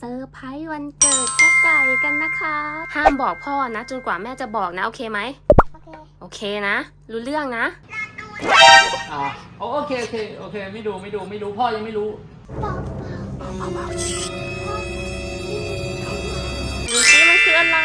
อร์ไพรส์วันเกิดพ่อไก่กันนะคะห้ามบอกพ่อนะจนกว่าแม่จะบอกนะโอเคไหมโอเคนะรู้เรื่องนะโอเคไม่ดูพ่อยังไม่รู้ดูสิมันคืออะไร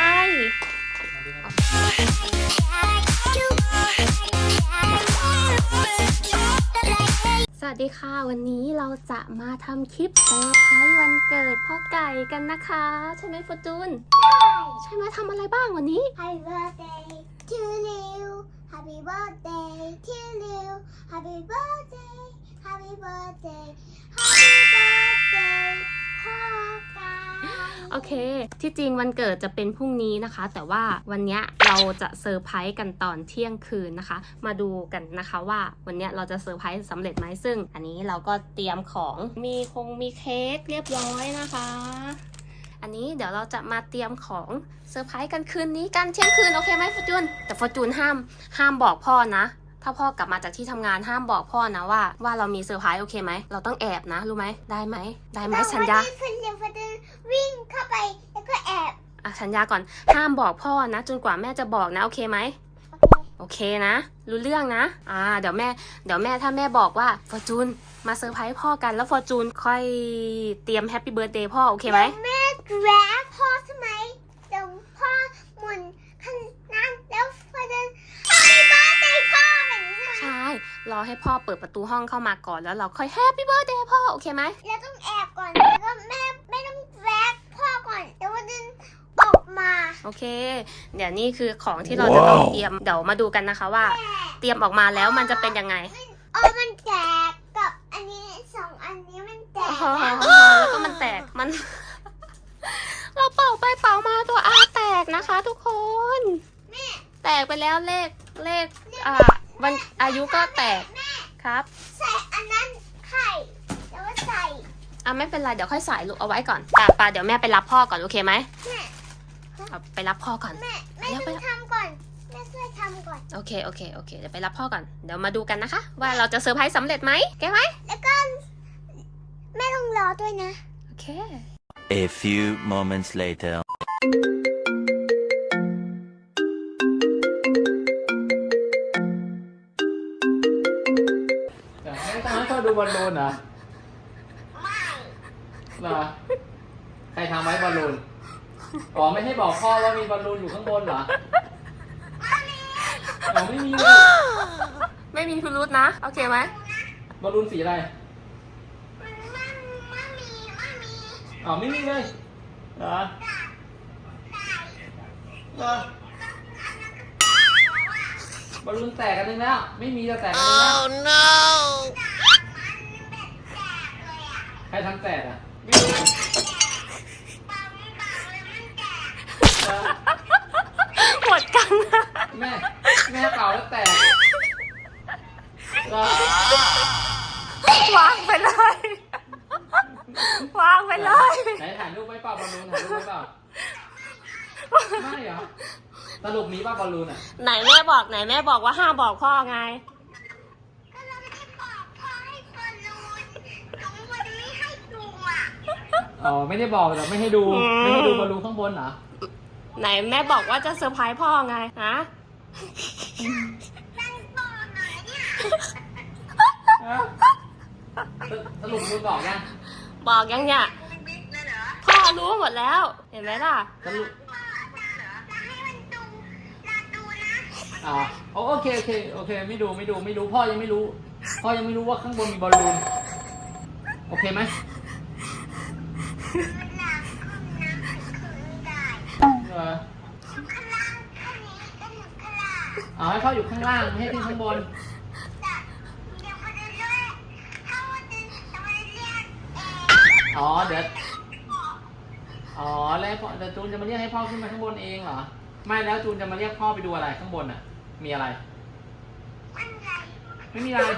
สวัสดีค่ะวันนี้เราจะมาทำคลิปเซอร์ไพรส์วันเกิดพ่อไก่กันนะคะใช่ไหมฟอร์จูนใช่ไหมทำอะไรบ้างวันนี้ Happy birthday to you Happy birthday to you Happy birthday Happy birthday Happy birthday พ่อไก่โอเคที่จริงวันเกิดจะเป็นพรุ่งนี้นะคะ แต่ว่าวันนี้เราจะเซอร์ไพรส์กันตอนเที่ยงคืนนะคะมาดูกันนะคะว่าวันนี้เราจะเซอร์ไพรส์สำเร็จไหมซึ่งอันนี้เราก็เตรียมของมีเค้กเรียบร้อยนะคะอันนี้เดี๋ยวเราจะมาเตรียมของเซอร์ไพรส์กันคืนนี้กันเที่ยงคืนโอเคไหมฟอร์จูนแต่ฟอร์จูนห้ามบอกพ่อนะถ้าพ่อกลับมาจากที่ทำงานห้ามบอกพ่อนะว่าเรามีเซอร์ไพรส์โอเคไหมเราต้องแอบนะรู้ไหมได้ไหมสัญญาวิ่งเข้าไปแล้วก็แอบสัญญาก่อนห้ามบอกพ่อนะจนกว่าแม่จะบอกนะโอเคไหมโอเคนะรู้เรื่องนะเดี๋ยวแม่ถ้าแม่บอกว่าฟอร์จูนมาเซอร์ไพรส์พ่อกันแล้วฟอร์จูนค่อยเตรียมแฮปปี้เบิร์ธเดย์พ่อโอเคไหมแม่แกรบพ่อใช่ไหมเดี๋ยวพ่อหมุนข้างนั้นแล้วพอเดิน Happy birthday พ่อแบบนี้ใช่ไหมใช่รอให้พ่อเปิดประตูห้องเข้ามาก่อนแล้วเราค่อยแฮปปี้เบิร์ธเดย์พ่อโอเคไหมแล้วต้องแอบก่อนแล้วก็แม่ต้องแกรบพ่อก่อนเดี๋ยวพอเดินออกมาโอเคเดี๋ยวนี่คือของที่เราจะต้องเตรียมเดี๋ยวมาดูกันนะคะว่าเตรียมออกมาแล้วมันจะเป็นยังไงมันแตกกับอันนี้สองอันนี้มันแตกแล้วก็มันแตกมัน เราเป่าไปเป่ามาตัวอาแตกนะคะทุกคนแตกไปแล้วเลขวันอายุก็แตกครับใส่อันนั้นไข่แล้วก็ใส่ไม่เป็นไรเดี๋ยวค่อยใส่ลูกเอาไว้ก่อนป่าเดี๋ยวแม่ไปรับพ่อก่อนโอเคไหมไปรับพ่อก่อนแม่ต้องทำก่อนแม่ช่วยทำก่อนโอเคเดี๋ยวไปรับพ่อก่อนเดี๋ยวมาดูกันนะคะว่าเราจะเซอร์ไพรส์สำเร็จไหมแกไหมแล้วก็แม่ต้องรอด้วยนะโอเค A few moments later ให้ตอนนั้นพ่อดูบอลลูนเหรอเหรอใครทำไว้บอลลูนไม่ให้บอกพ่อว่ามีบอลลูนอยู่ข้างบนเหรอไม่มีไม่มีพิรุธนะโอเคไหมบอลลูนสีอะไรไม่มีเลยเหรอบอลลูนแตกกันนึงแล้วไม่มีจะแตกกันนึงแล้ว no ใครทำแตกหมดกันแม่เป่าแล้วแตกวางไปเลยวางไปเลยไหนถ่ายรูปไว้เปล่าบอลลูนถ่ายรูปไว้เปล่าไม่เหรอสรุปมีป่ะบอลลูนไหนแม่บอกว่าห้ามบอกพ่อไงไม่ได้บอกแต่ไม่ให้ดูบอลลูนข้างบนเหรอไหนแม่บอกว่าจะเซอร์ไพรส์พ่อไงฮะสรุปคุณบอกยังเนี่ยพ่อรู้หมดแล้วเห็นไหมล่ะสรุปโอเคไม่ดูพ่อยังไม่รู้ว่าข้างบนมีบอลลูนโอเคไหมให้พ่ออยู่ข้างล่างไม่ให้ขึ้นข้างบนเดี๋ยวแล้วจูนจะมาเรียกให้พ่อขึ้นมาข้างบนเองเหรอไม่แล้วจูนจะมาเรียกพ่อไปดูอะไรข้างบนมีอะไรไม่มีอะไร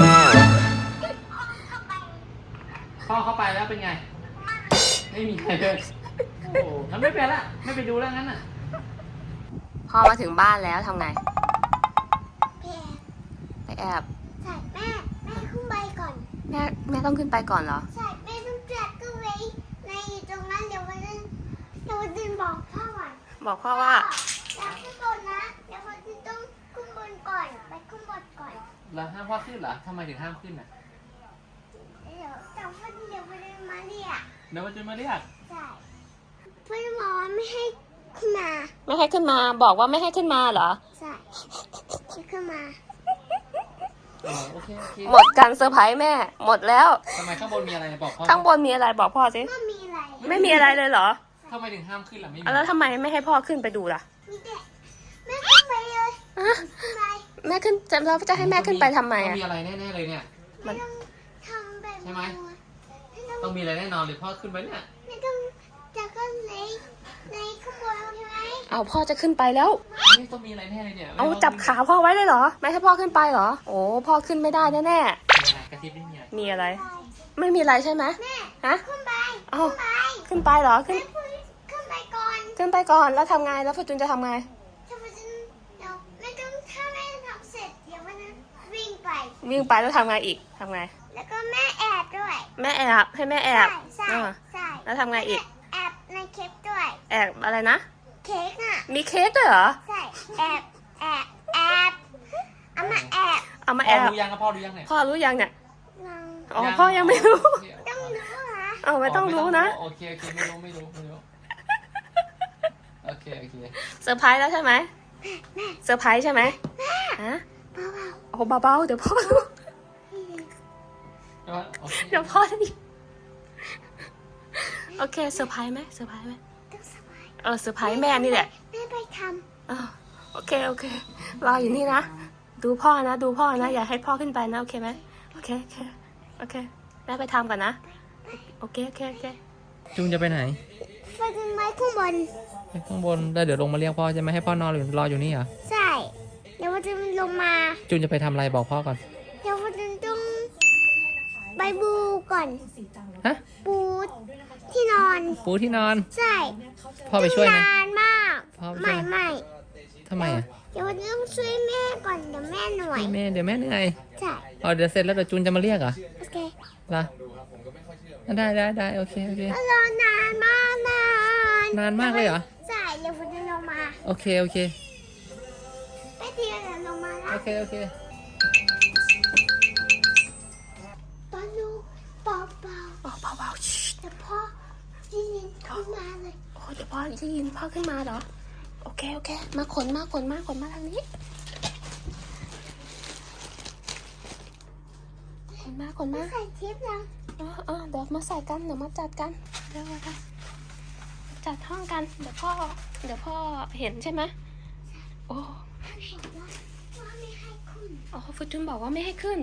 พ่อเข้าไปแล้วเป็นไงไม่มีอะไรเลยงั้นไม่เป็นละไม่ไปดูแล้วงั้นพ่อมาถึงบ้านแล้วทำไงไปแอบใช่แม่ขึ้นไปก่อนแม่ต้องขึ้นไปก่อนเหรอใช่แม่ต้องแจกก็ไว้ในตรงนั้นเดี๋ยวบอกพ่อว่าแล้วขึ้นบนนะเดี๋ยวพ่อจะต้องขึ้นบนก่อนไปขึ้นบนก่อนแล้วห้ามพ่อขึ้นเหรอทำไมถึงห้ามขึ้นอ่ะเดี๋ยวแต่พ่อเดี๋ยวพ่อจะมาเรียกเดี๋ยวมันจะมาเรียกใช่เพื่อนบอกว่าไม่ให้ขึ้นมาไม่ให้ขึ้นมาบอกว่าไม่ให้ขึ้นมาเหรอใช่ไม่ขึ้นมาอ๋อโอเคโอเคหมดการเซอร์ไพรส์แม่ หมดแล้วทำไมข้างบนมีอะไรบอกพ่อข้างบนมีอะไรบอกพ่อสิไม่มีอะไรไม่มีอะไรเลยเหรอทำไมถึงห้ามขึ้นล่ะไม่มีแล้วทำไมไม่ให้พ่อขึ้นไปดูล่ะมีแต่ไม่ขึ้นไปเลยฮะขึ้นไปแม่ขึ้นจะเราจะให้แม่ขึ้นไปทำไมต้ออ่ะงมีอะไรแน่ๆเลยเนี่ยไม่ต้องทำแบบใช่ไหมไม่ต้องต้องมีอะไรแน่นอนเลยพ่อขึ้นไปเนี่ยไม่ต้องจะขึ้นในข้างบนใช่ไหมเอาพ่อจะขึ้นไปแล้วนี่ต้องมีอะไรแน่เลยเนี่ยเอาจับขาพ่อไว้เลยเหรอ ไม่ให้พ่อขึ้นไปเหรอ โอ้พ่อขึ้นไม่ได้แน่มีอะไรกระซิบนี่เนี่ยๆมีอะไร ไม่มีอะไรใช่ไหมแม่ฮะขึ้นไปเอาขึ้นไปขึ้นไปเหรอ ขึ้นแม่พูดขึ้นไปก่อนขึ้นไปก่อน แล้วทำไง แล้วฟอร์จูนจะทำไงถ้าพ่อจะเดี๋ยวไม่ต้องถ้าแม่ทำเสร็จเดี๋ยววันนั้นวิ่งไปวิ่งไปแล้วทำไงอีกทำไงแล้วก็แม่แอบด้วยแม่แอบให้แม่แอบใช่อ่าใช่แล้วทำไงอีกแอบในเค้กด้วยแอบอะไรนะเค้กอ่ะมีเค้กด้วยเหรอใช่แอบเอามาแอบเอามาพ่แออบ รู้ยังครับพ่อรู้ยังเนี่ยพ่อรู้ยังเนี่ยลองอ๋อ พ่อยังไม่รู้ต้องรู้เหรอเอาไม่ต้องรู้นะโอเคไม่รู้โอเคเซอร์ไพรส์แล้วใช่ไหมเซอร์ไพรส์ใช่ไหมฮะเบาโอ้เบาๆเดี๋ยวพ่อรู้โอเคเดี๋ยวพ่อได้ยินโอเคเซอร์ไพรส์ไหมเซอร์ไพรส์ไหมๆต้องสบายเซอร์ไพรส์แม่นี่แหละแม่ไปทอ้าวโอเครออยู่นี่นะ ดูพ่อนะ อย่าให้พ่อขึ้นไปนะ โอเคไหมโอเคแม่ไปทำก่อนนะ โอเคจุงจะไปไหนำไปขึ้นไม้ข้างบนไปข้างบนแล้วเดี๋ยวลงมาเรียกพ่อใช่ไหมให้พ่อนอนหรือรออยู่นี่เหรอใช่เดี๋ยวมันจะลงมาจุงจะไปทำอะไรบอกพ่อก่อนเดี๋ยวมันจะต้องไปบูก่อนฮะปูที่นอนปูที่นอนใช่พ่อไปช่วยไหมนานมากพ่อไปช่วยไหมไม่ทำไมอ่ะเดี๋ยวมันต้องช่วยแม่ก่อนเดี๋ยวแม่เหนื่อยเดี๋ยวแม่เหนื่อยใช่อ๋อเดี๋ยวเสร็จแล้วเดี๋ยวจุนจะมาเรียกเหรอโอเคล่ะได้โอเคแล้วรอนานมากนานนานมากเลยเหรอใช่เดี๋ยวมันจะลงมาโอเคไปเดียวเดี๋ยวลงมาแล้วโอเคตอนดูเบาอ๋อเบาๆชิๆแต่พ่อได้ยินขึ้นมาเลยโอ้เดี๋ยวพ่อจะยินพ่อขึ้นมาเหรอ โอเคมาขนมาทางนี้ขนมาใส่ทิปแล้วเดี๋ยวมาใส่กันเดี๋ยวมาจัดกันเดี๋ยวมาจัดห้องกันเดี๋ยวพ่อเห็นใช่ไหมโอ้ท่านบอกว่าไม่ให้คุณอ๋อฟอร์จูนบอกว่าไม่ให้ขึ้น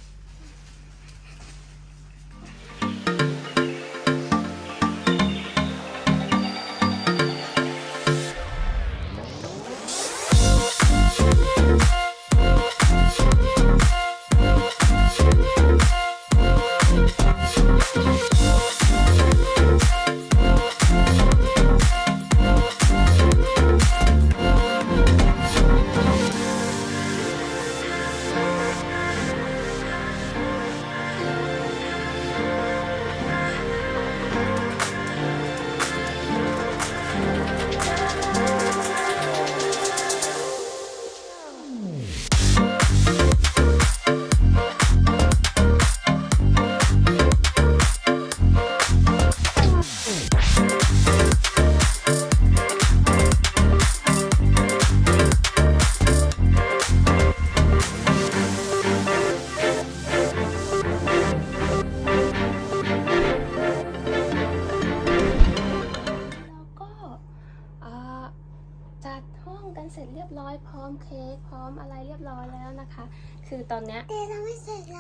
จัดห้องกันเสร็จเรียบร้อยพร้อมเค้กพร้อมอะไรเรียบร้อยแล้วนะคะ คือตอนเนี้ยแต่เราไม่เสร็จเห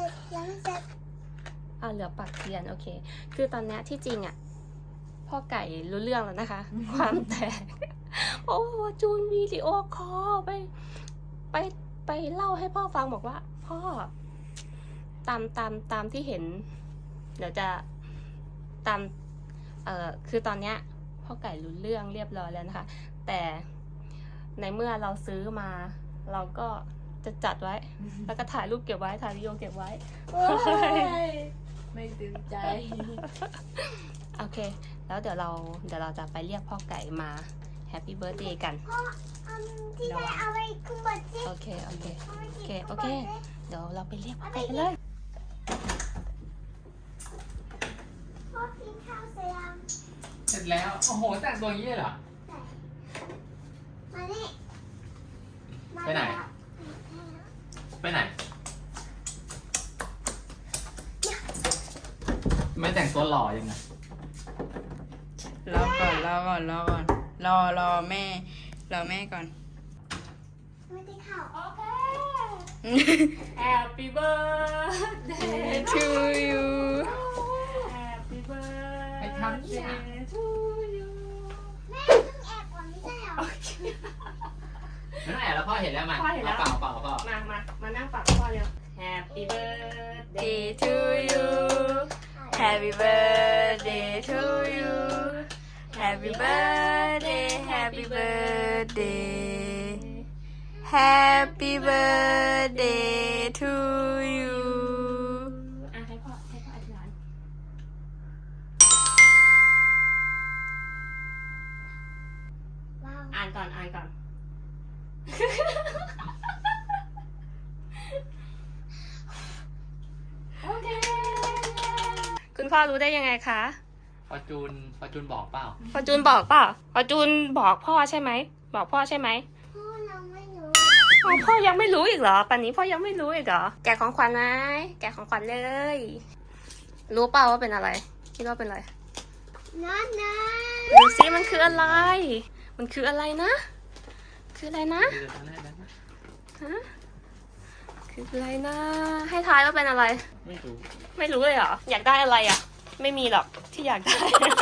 ลือปักเทียนโอเค คือตอนเนี้ยที่จริงอ่ะพ่อไก่รู้เรื่องแล้วนะคะ ความแตกโอ้จูนวิดีโอคอลไปเล่าให้พ่อฟังบอกว่า พ่อตามที่เห็น เดี๋ยวจะตามคือตอนเนี้ยพ่อไก่รู้เรื่องเรียบร้อยแล้วนะคะ แต่ในเมื่อเราซื้อมาเราก็จะจัดไว้ แล้วก็ถ่ายรูปเก็บไว้ถ่ายวิดีโอเก็บไว้ไม่ตื่นใจโอเค แล้วเดี๋ยวเราจะไปเรียกพ่อไก่มาแฮ Happy Birthday กันพ่อที่ได้เอาไปขึ้นบนสิโอเค โอเค โอเค เดี๋ยวเราไปเรียกพ่อไก่กันเลยพ่อกินข้าวเสร็จยังเสร็จแล้ว โอ้โหแต่งตัวอย่างนี้เลยเหรอมานี่ไปไหน ไปไหน ไม่แต่งตัวหล่อยังไงรอก่อนรอแม่ก่อนไม่ได้ข่าวโอเค Happy Birthday to you Happy ไปทำเนี่ย Birthday to you แม่ต้องแอบก่อนไม่ใช่เหรอนั่นแหละแล้วพ่อเห็นแล้วมั้ยพ่อเห็นแล้วเปล่าพ่อมานั่งปักพ่อเร็ว Happy Birthday Day to you Happy birthday to you Happy birthday Happy birthday Happy birthday to you อ่ะให้พ่ออธิษฐานว้าวอ่านก่อน โอเค คุณพ่อรู้ได้ยังไงคะฟอร์จูนบอกเปล่าพอจูนบอกเปล่าพอจูนบอกพ่อใช่ไหม บอกพ่อใช่ไหมพ่อเราไม่รู้อ๋อพ่อยังไม่รู้อีกเหรอป่านนี้พ่อยังไม่รู้อีกเหรอ แกะของขวัญไหมแกะของขวัญเลย รู้เปล่าว่าเป็นอะไร คิดว่าเป็นอะไรนั่นนะดูซิมันคืออะไร มันคืออะไรนะ คืออะไรนะเดี๋ยวทำได้ไหมฮะ คืออะไรนะ ให้ทายว่าเป็นอะไรไม่รู้ไม่รู้เลยเหรอ อยากได้อะไรอ่ะ ไม่มีหรอกที่อยากได้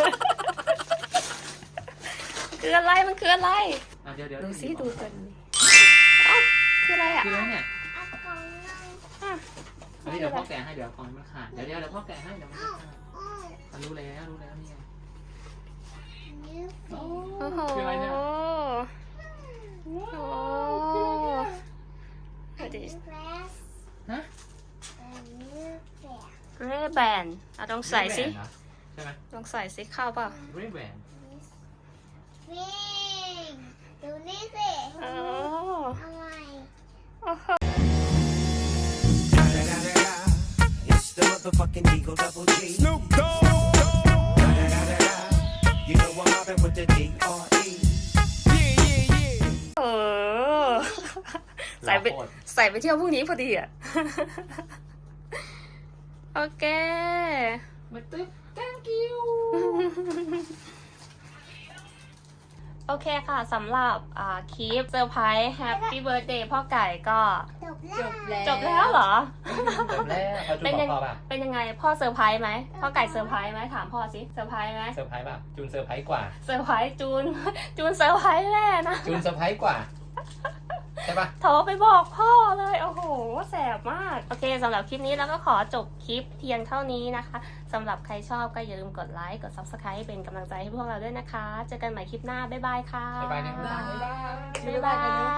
คืออะไร มันคืออะไรอ่ะเดี๋ยวดูซิดูกันเอ้าคืออะไรอ่ะคืออะไรเนี่ยอากงนั่งอ่ะอันนี้เดี๋ยวพ่อแกะให้เดี๋ยวกล่องมันขาดเดี๋ยวพ่อแกะให้เดี๋ยวมันอ้าขาว ดอ้าวมันรู้แล้วนี่ไงนิ้วโอ้โอ้โหคืออะไรเนี่ยโอ้อันดูนี้ดิแฟสฮะอันนี้แฟสเรแบนเอาลองใส่สิเรแบนเหรอใช่ไหมลองใส่สิเข้าเปล่าเรแบนฟิงดูนี่สิโอ้อะไรโอ้โห It's the motherfucking Eagle Double G. Snoop Dogg. You know I'm mobbing with the D.R.E. เออ ใส่ไปโคตรใส่ไปเที่ยวพรุ่งนี้พอดีอ่ะ โอเคมาตึ๊บ thank you โอเคค่ะสำหรับคลิปเซอร์ไพรส์ Happy Birthday พ่อไก่ก็จบแล้วจบแล้วเหรอจบแล้วเขาจูนบอกพ่อป่ะเป็นยังไงพ่อเซอร์ไพรส์ไหมพ่อไก่เซอร์ไพรส์ไหมถามพ่อสิเซอร์ไพรส์ไหมเซอร์ไพรส์ป่ะจูนเซอร์ไพรส์กว่าเซอร์ไพรส์จูน จูนเซอร์ไพรส์แน่นะจูนเซอร์ไพรส์กว่าใช่ป่ะโทรไปบอกพ่อเลยโอ้โหแสบมากโอเคสำหรับคลิปนี้เราก็ขอจบคลิปเพียงเท่านี้นะคะสำหรับใครชอบก็อย่าลืมกดไลค์กด Subscribe เป็นกำลังใจให้พวกเราด้วยนะคะเจอกันใหม่คลิปหน้าบ๊ายบายค่ะบ๊ายบายนะบ๊ายบาย